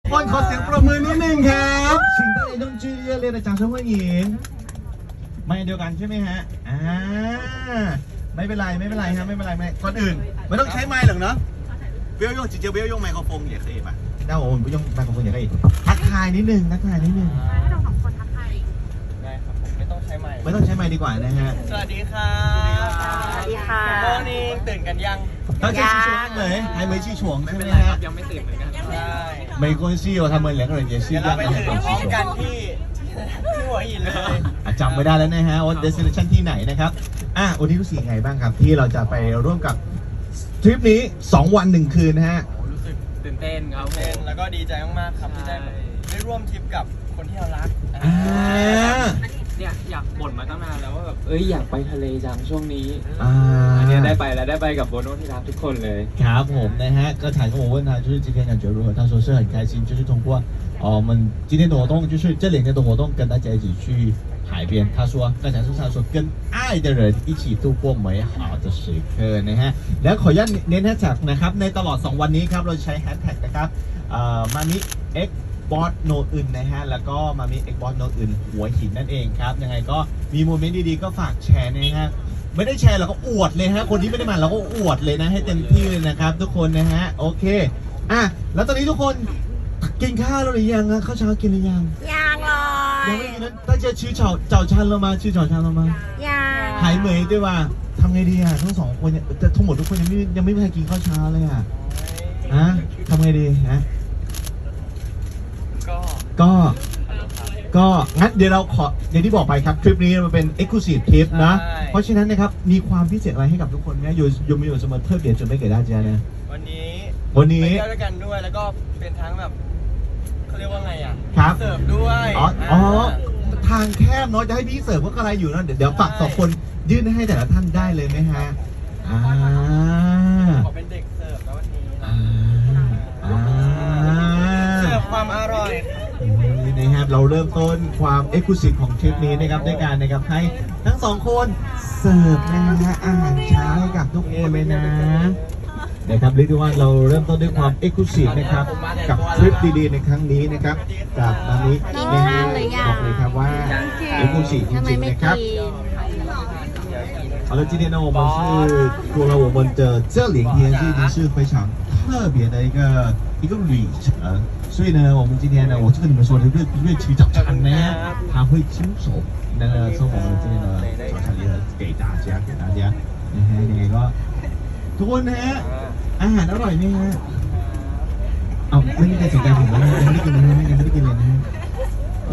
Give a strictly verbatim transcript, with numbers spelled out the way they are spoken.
คนขอเสียงปรบมือนิดนึงครับ请大家用剧热烈的掌声欢迎ไม่เดียวกันใช่ไหมฮะอ่าไม่เป็นไรไม่เป็นไรฮะไม่เป็นไรไม่ก่อนอื่นไม่ต้องใช้ไมค์หรอกเนาะ不要用直接不要用麦克风也可以吧那我们不用麦克风也可以ทักทายนิดนึงทักทายนิดนึงให้เราสองคนทักทายได้ครับผมไม่ต้องใช้ไมค์ไม่ต้องใช้ไมค์ดีกว่านะฮะสวัสดีครับสวัสดีค่ะโมนี่ตื่นกันยังต้องใช้ชิชวงเลย还没起床ใช่ไหมฮะยังไม่ตื่นเหมือนกันใช่没关系哦他们两个人也是一样เดี๋ยวเราไปถึงพร้อมกันที่ที่หัวหินเลยจำไม่ได้แล้วนะฮะว่า destination ที่ไหนนะครับอ่ะวันนี้รู้สึกยังไงบ้างครับที่เราจะไปร่วมกับทริปนี้สองวันหนึ่งคืนนะฮะรู้สึกตื่นเต้นครับเต้นแล้วก็ดีใจมากๆครับที่ได้ได้ร่วมทริปกับคนที่เรารักอ่าเนี่ยอยากบ่นมาตั้งนานแล้วว่าแบบเอ้ยอยากไปทะเลจังช่วงนี้อ่าอันนี้ได้ไปแล้วได้ไปกับโบโน่ที่รักทุกคนเลยครับผมนะฮะก็ถามกับ我问他就是今天感觉如何他说是很开心就是通过哦我们今天的活动就是这两天的活动跟大家一起去海边他说刚才是他说跟爱的人一起度过美好的时刻นะฮะแล้วขออนุญาตเน้นแฮชแท็กนะครับในตลอดสองวันนี้ครับเราใช้แฮชแท็กนะครับเอ่อมามิ Xบอสโนอื่นนะฮะแล้วก็มามีเอ็กบอสโนอื่นหัวหินนั่นเองครับยังไงก็มีโมเมนต์ดีๆก็ฝากแชร์นะฮะไม่ได้แชร์เราก็อวดเลยฮะคนที่ไม่ได้มาเราก็อวดเลยนะให้เต็มที่เลยนะครับทุกคนนะฮะโอเคอ่ะแล้วตอนนี้ทุกคนกินข้าวแล้วหรือยังข้าวเช้ากินหรือยังยังเลยยังไม่กินนะ大家吃早早餐了吗吃早餐了吗ยังหายเหมยด้วยว่าทำไงดีอ่ะทั้งสองคนเนี่ยแต่ทั้งหมดทุกคนยังไม่ยังไม่มีใครกินข้าวเช้าเลยอ่ะฮะทำไงดีฮะก็ก็งั้นเดี๋ยวเราขออย่างที่บอกไปครับทริปนี้มันเป็น exclusive trip นะเพราะฉะนั้นนะครับมีความพิเศษอะไรให้กับทุกคนไหมอยู่อยู่มีอยู่เสมอเพิ่มเดี๋ยวจะไม่เกิดได้จ้านะวันนี้วันนี้ไปด้วยกันด้วยแล้วก็เป็นทั้งแบบเขาเรียกว่าไงอ่ะครับเสิร์ฟด้วยอ๋ออ๋อทางแคบเนาะจะให้พี่เสิร์ฟก็อะไรอยู่นะเดี๋ยวเดี๋ยวฝากสองคนยื่นให้แต่ละท่านได้เลยไหมฮะอ่าขอเป็นเด็กเสิร์ฟแล้ววันนี้อ่าอ่าเสิร์ฟความอร่อยนะครับเราเริ่มต้นความเอ็กซ์คลูซีฟของทริปนี้นะครับด้วยการนะครับให้ทั้งสองคนเสิร์ฟนะฮะอาหารเช้าให้กับทุกคนเลยนะนะครับเรียกได้ว่าเราเริ่มต้นด้วยความเอ็กซ์คลูซีฟนะครับกับทริปดีๆในครั้งนี้นะครับกับมามินะฮะบอกเลยครับว่าเอ็กซ์คลูซีฟจริงๆนะครับ好了，今天呢，我们是过了我们的这两天，就已经是非常特别的一个一个旅程。所以呢，我们今天呢，我就跟你们说，这个乐曲早餐呢，他会亲手那个送我们这边的早餐礼盒给大家，给大家。นะฮะยังไงก็ทุกคนนะฮะอาหารอร่อยไหมฮะเอาไม่มีใครสนใจผมเลย